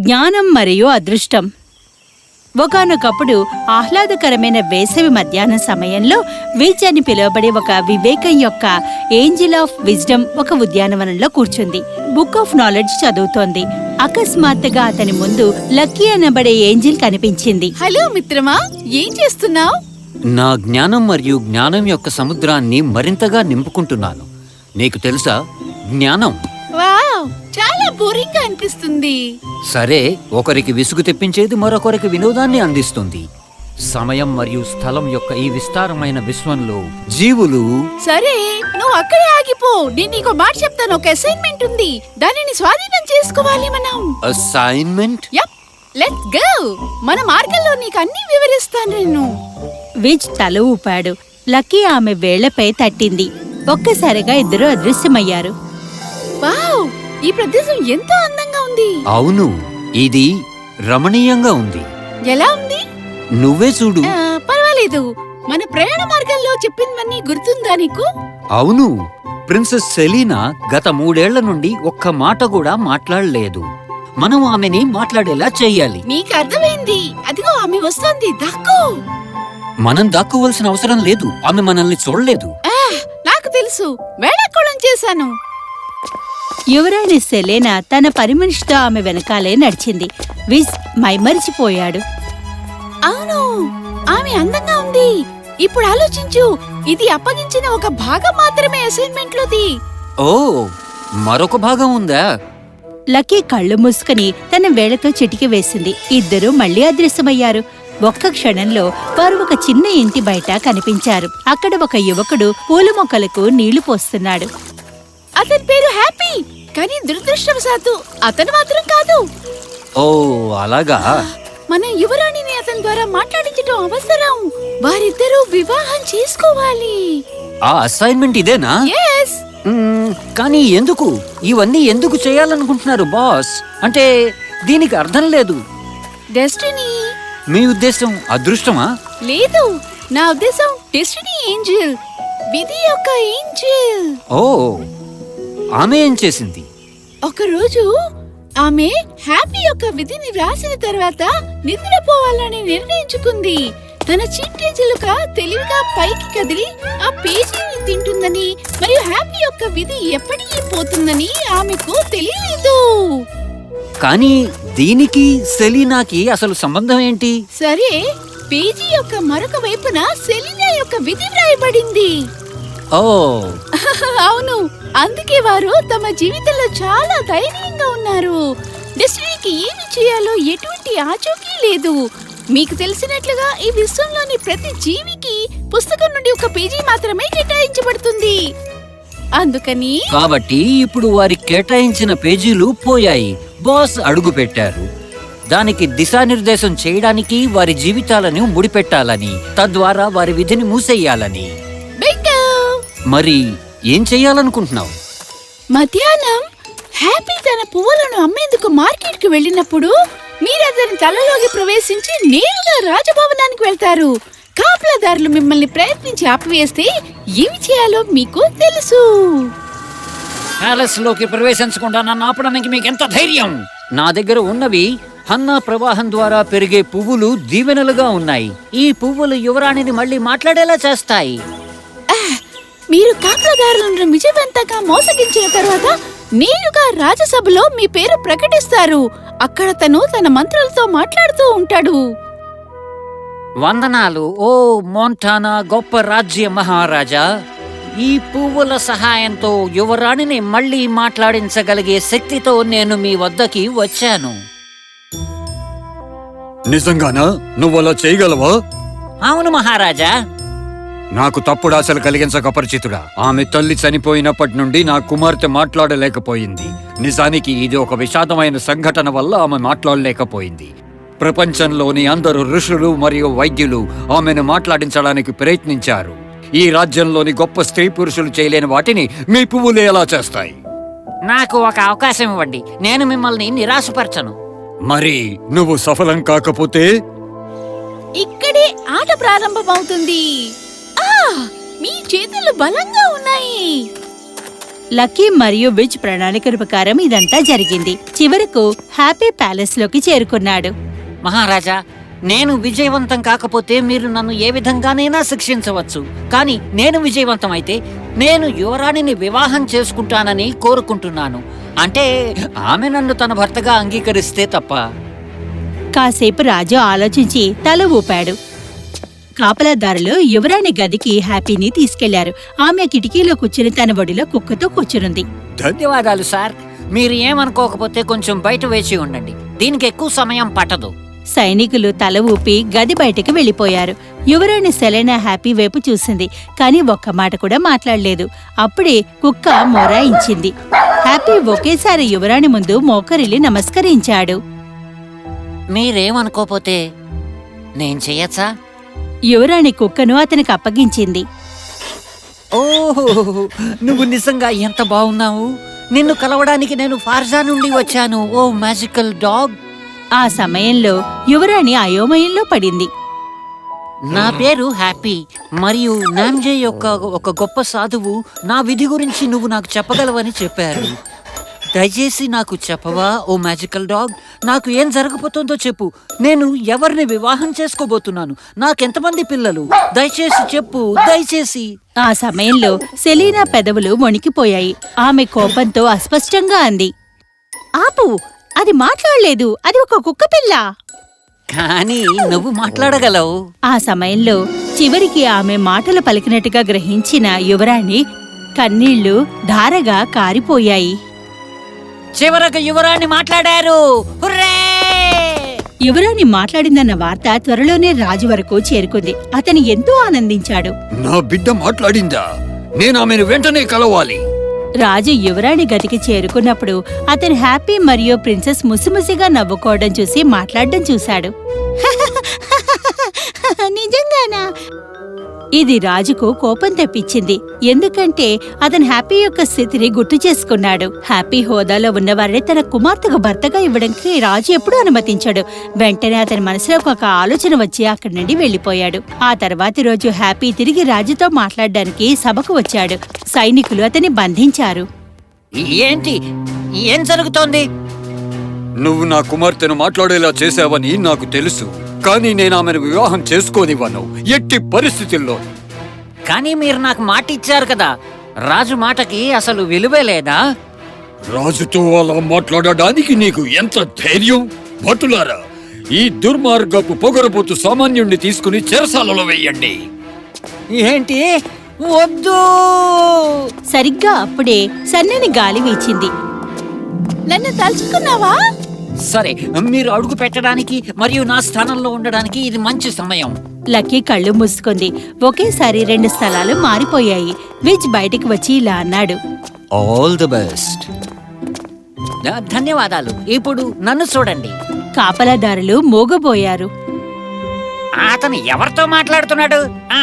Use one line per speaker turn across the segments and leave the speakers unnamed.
జ్ఞానం మరియు అదృష్టం. ఒకానొకప్పుడు ఆహ్లాదకరమైన వేసవి మధ్యాహ్న సమయంలో విజ్ అని పిలువబడే ఒక వివేకం యొక్క ఏంజిల్ ఆఫ్ విజ్డమ్ ఒక ఉద్యానవనంలో కూర్చుంది. బుక్ ఆఫ్ నాలెడ్జ్ చదువుతోంది. అకస్మాత్తుగా అతని ముందు లక్కీ అనబడే ఏంజిల్ కనిపించింది.
హలో మిత్రమా, ఏం చేస్తున్నావు?
నా జ్ఞానం మరియు జ్ఞానం యొక్క సముద్రాన్ని మరింతగా నింపుకుంటున్నాను. నీకు తెలుసా, జ్ఞానం
వావ్, చాలా బోరింగ్ గా అనిపిస్తుంది.
సరే, ఒకరికి విసుగు తెప్పించేది మరొకరికి వినోదాన్ని అందిస్తుంది. సమయం మరియు స్థలం యొక్క ఈ విస్తారమైన విశ్వంలో జీవులు...
సరే, నువ్వు అక్కడే ఆగిపో. నేను నీకు మాట చెప్తాను. ఒక అసైన్మెంట్ ఉంది, దానిని స్వాధీనం చేసుకోవాలి మనం.
అసైన్మెంట్?
Yup, let's go. మన మార్గంలో నీకు అన్ని వివరిస్తాను నేను.
విజ్ తల ఊపాడు. లక్కీ ఆమె వేళ్లపై తట్టింది. ఒక్కసారిగా ఇద్దరు అదృశ్యమయ్యారు.
వావ్, ఈ ప్రదేశం ఎంతో అందంగా ఉంది.
అవును, ఇది రమణీయంగా ఉంది.
ఎలా ఉంది?
నువ్వే చూడు.
పర్వాలేదు. మన ప్రయాణ మార్గంలో చెప్పినవన్నీ గుర్తుందా నీకు?
అవును, ప్రిన్సెస్ సెలీనా గత 3 ఏళ్ల నుండి ఒక్క మాట కూడా మాట్లాడలేదు. మనం ఆమెని మాట్లాడేలా చెయ్యాలి.
నీకు అర్థమైంది. అదిగో ఆమె వస్తోంది. దక్కు.
మనం దాక్కోవలసిన అవసరం లేదు. ఆమె మనల్ని చూడలేదు.
నాకు తెలుసు, వేళాకోళం చేశాను.
యువరాణి సెలేనా తన పనిమనిషితో ఆమె వెనకాలే నడిచింది. విజ్ మైమరిచిపోయాడు.
అవును, ఆమె అందంగా ఉంది. ఇప్పుడు ఆలోచించు, ఇది అప్పగించిన ఒక భాగం మాత్రమే అసైన్మెంట్ లోది.
ఓ, మరొక భాగం ఉందా?
లక్కీ కళ్ళు మూసుకుని తన వేళ్లతో చిటికి వేసింది. ఇద్దరూ మళ్లీ అదృశ్యమయ్యారు. ఒక్క క్షణంలో వారు ఒక చిన్న ఇంటి బయట కనిపించారు. అక్కడ ఒక యువకుడు పూల మొక్కలకు నీళ్లు పోస్తున్నాడు.
అతని పేరు హ్యాపీ, కానీ దురదృష్టవశాత్తు అతను మాత్రం కాదు.
ఓ, అలాగా.
మన యువరాణిని అతని ద్వారా మాట్లాడించడం అవసరం. వారిద్దరూ వివాహం చేసుకోవాలి.
ఆ అసైన్మెంట్ ఇదేనా?
yes.
కానీ ఎందుకు ఇవన్నీ ఎందుకు చేయాలనుకుంటున్నారు బాస్? అంటే దీనికి అర్థం లేదు.
డెస్టినీ.
మీ ఉద్దేశం అదృష్టమా?
లేదు, నా ఉద్దేశం డెస్టినీ ఏంజెల్, విధి యొక్క ఏంజెల్.
ఓ, ఆమె ఏం చేసింది?
ఒకరోజు ఆమె హ్యాపీ యొక్క విధిని రాసిన తర్వాత నిద్రపోవాలని నిర్ణయించుకుంది. తన చీటీ చిలుక తెలివిగా పైకి కదిలి ఆ పేజీని తింటుందని మరియు హ్యాపీ యొక్క విధి ఎప్పటికీ పోతుందని ఆమెకు తెలియలేదు.
కానీ దీనికి సెలీనాకి అసలు సంబంధం ఏంటి?
సరే, పేజీ యొక్క మరొక వైపున సెలీనా యొక్క విధి వ్రాయబడింది.
ఓ
అవును, అందుకే వారు తమ జీవితంలో చాలా ధైర్యంగా ఉన్నారు. డెస్టినీకి ఏమి చేయాలో ఎటువంటి ఆచూకీ లేదు. మీకు తెలిసినట్లుగా ఈ విశ్వంలోని ప్రతి జీవికి పుస్తకం నుండి ఒక పేజీ మాత్రమే కేటాయించబడుతుంది. అందుకని
కాబట్టి ఇప్పుడు వారి కేటాయించిన పేజీలు పోయాయి. బాస్ అడుగు పెట్టారు. దానికి దిశానిర్దేశం చేయడానికి వారి జీవితాలను ముడిపెట్టాలని, తద్వారా వారి విధిని మూసేయాలని. మరి ఏం చెయ్యాలనుకుంటున్నావు?
మధ్యాహ్నం హ్యాపీ తన పువ్వులను అమ్మేందుకు మార్కెట్ కు వెళ్ళినప్పుడు మీరు అతని తలలోకి ప్రవేశించి నేరుగా రాజభవనానికి వెళ్తారు. కాపలాదారులు మిమ్మల్ని ప్రయత్నించి ఆపివేస్తే ఏమి చేయాలో మీకు తెలుసు.
ప్యాలెస్ లోకి ప్రవేశించకుండా నన్ను ఆపడానికి మీకు ఎంత ధైర్యం? నా దగ్గర ఉన్నవి హన్నా ప్రవాహం ద్వారా పెరిగే పువ్వులు దీవెనలుగా ఉన్నాయి. ఈ పువ్వులు యువరాణిని మళ్ళీ మాట్లాడేలా చేస్తాయి.
మీరు కాపలాదారులను విజయవంతంగా మోసగించిన తర్వాత నేరుగా రాజసభలో మీ పేరు ప్రకటిస్తారు. అక్కడ తను తన మంత్రులతో మాట్లాడుతూ ఉంటాడు.
వందనాలు ఓ మోంటానా గొప్ప రాజ్య మహారాజా. ఈ పువ్వుల సహాయంతో యువరాణిని మళ్ళీ మాట్లాడించగలిగే శక్తితో నేను మీ వద్దకి వచ్చాను.
నిజంగానా? నువ్వలా చేయగలవా?
అవును మహారాజా.
నాకు తప్పుడు ఆశలు కలిగించక పరిచితుడా. ఆమె తల్లి చనిపోయినప్పటి నుండి నా కుమార్తె మాట్లాడలేకపోయింది. నిజానికి ఇది ఒక విషాదమైన సంఘటన వల్ల ఆమె మాట్లాడలేకపోయింది. ప్రపంచంలోని అందరు ఋషులు మరియు వైద్యులు ఆమెను మాట్లాడించడానికి ప్రయత్నించారు. ఈ రాజ్యంలోని గొప్ప స్త్రీ పురుషులు చేయలేని వాటిని మీ పువ్వులు ఎలా చేస్తాయి?
నాకు ఒక అవకాశం ఇవ్వండి, నేను మిమ్మల్ని నిరాశపరచను.
మరి నువ్వు సఫలం కాకపోతే?
ఇక్కడే ఆట ప్రారంభమవుతుంది. మీ చేతులు బలంగా ఉన్నాయి.
లక్కీ మరియు విజ్ ప్రణాళిక ప్రకారం ఇదంతా జరిగింది. చివరకు హ్యాపీ ప్యాలెస్ లోకి చేరుకున్నాడు.
మహారాజా, నేను విజయవంతం కాకపోతే మీరు నన్ను ఏ విధంగానైనా శిక్షించవచ్చు. కానీ నేను విజయవంతం అయితే నేను యువరాణిని వివాహం చేసుకుంటానని కోరుకుంటున్నాను. అంటే ఆమె నన్ను తన భర్తగా అంగీకరిస్తే తప్ప.
కాసేపు రాజు ఆలోచించి తల ఊపాడు. కాపలాదారులు యువరాణి గదికి హ్యాపీని తీసుకెళ్లారు. ఆమె కిటికీలో కూర్చుని తన ఒడిలో కుక్కతో కూర్చునుంది.
ధన్యవాదాలు సార్. మీరు ఏమనుకోకపోతే కొంచెం బయట వేచి ఉండండి. దీనికి ఎక్కువ సమయం పట్టదు.
సైనికులు తల ఊపి గది బయటకు వెళ్లిపోయారు. యువరాణి సెలెనా హ్యాపీ వైపు చూసింది, కాని ఒక్క మాట కూడా మాట్లాడలేదు. అప్పుడే కుక్క మొరాయించింది. హ్యాపీ ఒకేసారి యువరాణి ముందు మోకరిల్లి నమస్కరించాడు.
మీరేమనుకోపోతే నేను చెయ్యచ్చా?
యువరాణి కుక్కను అతనికి అప్పగించింది.
ఓహో, నువ్వు నిజంగా ఎంత బాగున్నావు. నిన్ను కలవడానికి నేను ఫార్జా నుండి వచ్చాను. ఓ మ్యాజికల్ డాగ్.
ఆ సమయంలో యువరాణి అయోమయంలో పడింది.
నా పేరు హ్యాపీ మరియు నామ్జే యొక్క ఒక గొప్ప సాధువు నా విధి గురించి నువ్వు నాకు చెప్పగలవని చెప్పారు. దయచేసి నాకు చెప్పవా ఓ మ్యాజికల్ డాగ్? నాకు ఏం జరగబోతుందో చెప్పు. నేను ఎవరిని వివాహం చేసుకోబోతున్నాను? నాకెంతమంది పిల్లలు? దయచేసి చెప్పు, దయచేసి.
ఆ సమయంలో సెలీనా పెదవులు వణికిపోయాయి. ఆమె కోపంతో అస్పష్టంగా అంది, ఆపు, అది మాట్లాడలేదు, అది ఒక కుక్కపిల్ల.
కానీ నువ్వు మాట్లాడగలవు.
ఆ సమయంలో చివరికి ఆమె మాటలు పలికినట్టుగా గ్రహించిన యువరాణి కన్నీళ్లు ధారగా కారిపోయాయి.
చివరకు యువరాణి మాట్లాడారు. హుర్రే!
యువరాణి మాట్లాడిందన్న వార్త త్వరలోనే రాజు వరకు చేరుకుంది. అతను ఎంతో ఆనందించాడు.
నా బిడ్డ మాట్లాడిందా? నేను ఆమెను వెంటనే కలవాలి.
రాజు యువరాణి గదికి చేరుకున్నప్పుడు అతను హ్యాపీ మరియు ప్రిన్సెస్ ముసిముసిగా నవ్వుకోవడం చూసి మాట్లాడడం చూశాడు. నిజంగానా? ఇది రాజుకు కోపం తెప్పించింది. ఎందుకంటే అతను హ్యాపీ యొక్క స్థితిని గుర్తు చేసుకున్నాడు. హ్యాపీ హోదాలో ఉన్నవారిని తన కుమార్తెకు భర్తగా ఇవ్వడానికి రాజు ఎప్పుడూ అనుమతించాడు. వెంటనే అతని మనసులో ఒక ఆలోచన వచ్చి అక్కడి నుండి వెళ్లిపోయాడు. ఆ తర్వాతి రోజు హ్యాపీ తిరిగి రాజుతో మాట్లాడడానికి సభకు వచ్చాడు. సైనికులు అతన్ని బంధించారు.
ఏంటి? ఏం జరుగుతోంది?
నువ్వు నా కుమార్తెను మాట్లాడేలా చేశావని నాకు తెలుసు, కానీ నేను ఆమెను వివాహం చేసుకోనివ్వను, ఎట్టి పరిస్థితుల్లో.
కానీ మీరు నాకు మాట ఇచ్చారు కదా. రాజు మాటకి అసలు విలువే లేదా?
రాజుతో అలా మాట్లాడడానికి నీకు ఎంత ధైర్యం? భటులారా, ఈ దుర్మార్గపు పొగరబోతు సామాన్యుణ్ణి తీసుకుని చెరసాలలో వెయ్యండి.
ఏంటి? వద్దు!
సరిగ్గా అప్పుడే సన్నని గాలి వీచింది.
నన్ను తలుచుకున్నావా?
సరే, మీరు అడుగు పెట్టడానికి మరియు నా స్థానంలో ఉండడానికి ఇది మంచి సమయం.
లక్కీ కళ్ళు మూసుకుంది. ఒకేసారి 2 స్థలాలు మారిపోయాయి. విజ్ బయటికి వచ్చి ఇలా అన్నాడు,
ఆల్ ది బెస్ట్. ధన్యవాదాలు. ఇప్పుడు నన్ను చూడండి.
కాపలాదారులు మోగబోయారు.
అతను ఎవరితో మాట్లాడుతున్నాడు?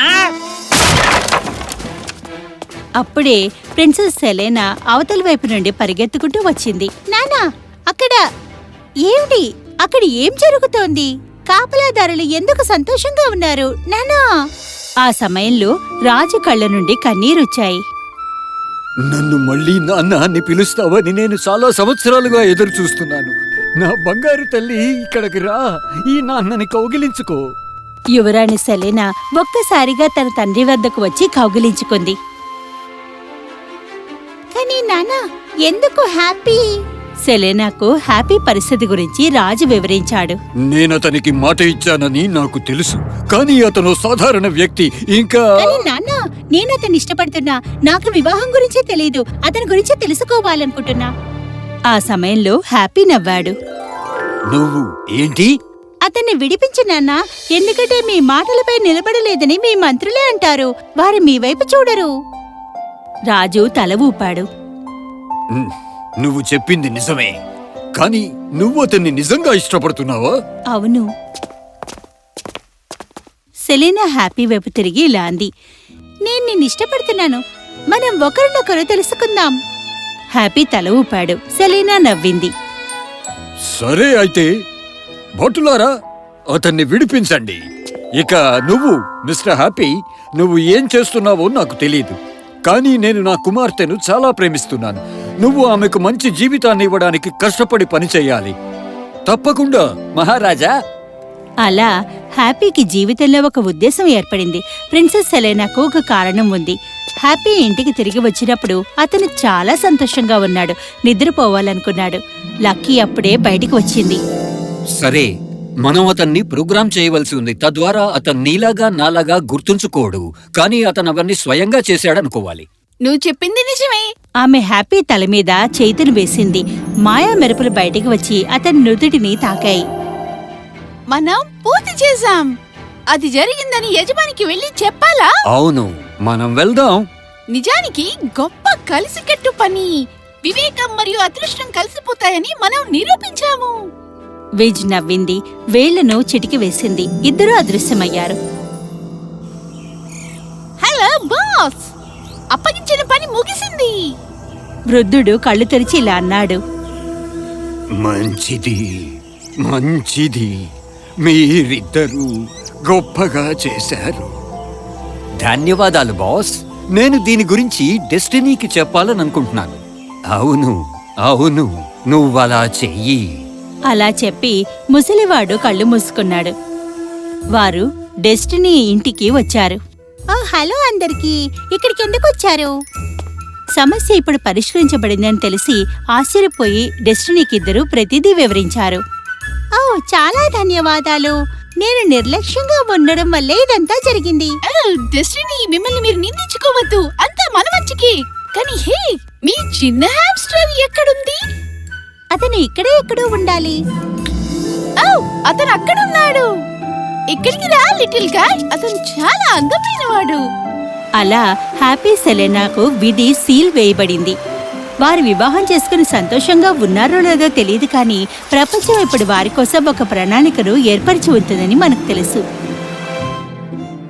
అప్పుడే ప్రిన్సెస్ సెలెనా అవతలి వైపు నుండి పరిగెత్తుకుంటూ వచ్చింది. నానా, అక్కడ ఏమిటి? అక్కడ ఏం జరుగుతోంది? కాపలాదారులు ఎందుకు సంతోషంగా ఉన్నారు నానా? ఆ సమయంలో రాజు కళ్ళ నుండి కన్నీరొచ్చాయి.
నన్ను మళ్ళీ నాన్న అని పిలుస్తావని నేను చాలా సంవత్సరాలుగా ఎదురు చూస్తున్నాను. నా బంగారు తల్లి, ఇక్కడికి రా, ఈ నాన్నని కౌగిలించుకో.
యువరాణి సెలెనా ఒక్కసారిగా తన తండ్రి వద్దకు వచ్చి కౌగిలించుకుంది. కానీ నానా, ఎందుకు హ్యాపీ? సెలెనాకు హ్యాపీ పరిస్థితి గురించి రాజు వివరించాడు.
నేనతనికి మాట ఇచ్చానని నాకు తెలుసు, కానీ అతను సాధారణ వ్యక్తి. ఇంకా
నాన్న, నేను అతన్ని ఇష్టపడుతున్నా. నాకు వివాహం గురించి తెలీదు. అతని గురించి తెలుసుకోవాలనుకుంటున్నా. ఆ సమయంలో హ్యాపీ నవ్వాడు.
నువ్వు ఏంటి?
అతన్ని విడిపించు నాన్నా, ఎందుకంటే మీ మాటలపై నిలబడలేదని మీ మంత్రులే అంటారు. వారు మీ వైపు చూడరు. రాజు తల ఊపాడు.
నువ్వు చెప్పింది నిజమే, కానీ నువ్వు అతన్ని నిజంగా ఇష్టపడుతున్నావా?
అవును. సెలీనా హ్యాపీ వైపు తిరిగి ఇలా అంది, నేను నిన్ను ఇష్టపడుతున్నాను. మనం ఒకరినొకరు తెలుసుకుందాం. హ్యాపీ తల ఊపాడు. సెలీనా నవ్వింది.
సరే అయితే, భటులారా, అతన్ని విడిపించండి. ఇక నువ్వు మిస్టర్ హ్యాపీ, నువ్వు ఏం చేస్తున్నావో నాకు తెలీదు, కానీ నేను నా కుమార్తెను చాలా ప్రేమిస్తున్నాను. నువ్వు ఆమెకు మంచి జీవితాన్ని ఇవ్వడానికి కష్టపడి పని చేయాలి. తప్పకుండా మహారాజా.
అలా హ్యాపీకి జీవితంలో ఒక ఉద్దేశం ఏర్పడింది. ప్రిన్సెస్ సెలెనాకు ఒక కారణం ఉంది. హ్యాపీ ఇంటికి తిరిగి వచ్చినప్పుడు అతను చాలా సంతోషంగా ఉన్నాడు. నిద్రపోవాలనుకున్నాడు. లక్కీ అప్పుడే బయటికి వచ్చింది.
సరే, మనం అతన్ని ప్రోగ్రామ్ చేయవలసి ఉంది. తద్వారా అతను నీలాగా నాలాగా గుర్తుంచుకోడు, కానీ అతను అవన్నీ స్వయంగా చేశాడనుకోవాలి.
నువ్వు చెప్పింది నిజమే.
ఆమె హ్యాపీ తల మీద చేతులు వేసింది. మాయా మెరుపులు బయటికి వచ్చి అతని నుదుటిని తాకాయి.
మనం పూర్తి చేశాం. అది జరిగిందని యజమానికి వెళ్ళి చెప్పాలా?
అవును, మనం వెళ్దాం.
నిజానికి గొప్ప కలిసికట్టు పని. వివేకం మరియు అదృష్టం కలిసిపోతాయని మనం నిరూపించాము.
విజ్ నవ్వింది. వేళ్లను చిటికి వేసింది. ఇద్దరూ అదృశ్యమయ్యారు.
హలో బాస్, అప్పగించిన పని ముగిసింది.
వృద్ధుడు కళ్ళు తెరిచి ఇలా అన్నాడు.
మంచిది, మంచిది. మీరిద్దరూ గొప్పగా చేశారు. ధన్యవాదాలు బాస్. నేను దీని గురించి డెస్టినీకి చెప్పాలనుకుంటున్నాను. అవును అవును, నువ్వలా చెయ్యి.
అలా చెప్పి ముసలివాడు కళ్ళు మూసుకున్నాడు. వారు డెస్టినీ ఇంటికి వచ్చారు. హలో అందరికీ, ఇక్కడికి ఎందుకు వచ్చారు? సమస్య ఇప్పుడు పరిష్కరించబడిందని తెలిసి ఆశ్చర్యపోయి డెస్టినీకి ఇద్దరు ప్రతిదీ వివరించారు. ఓ, చాలా ధన్యవాదాలు. నేను నిర్లక్ష్యంగా ఉండడం వల్లే ఇదంతా జరిగింది.
డెస్టినీ, మిమ్మల్ని మీరు నిందించుకోవద్దు. అంతా మన మంచికి. కానీ హే, మీ చిన్న హామ్స్టర్ ఎక్కడుంది?
అతను ఇక్కడే ఎక్కడో ఉండాలి.
అతను అక్కడున్నాడు. ఇక్కడికి రా లిటిల్ గాయ్. అతను చాలా అందమైనవాడు.
అలా హ్యాపీ సెలెనాకు విధి సీల్ వేయబడింది. వారు వివాహం చేసుకుని సంతోషంగా ఉన్నారో లేదో తెలియదు, కానీ ప్రపంచం ఇప్పుడు వారి కోసం ఒక ప్రణాళికను ఏర్పరిచి ఉంటుందని మనకు తెలుసు.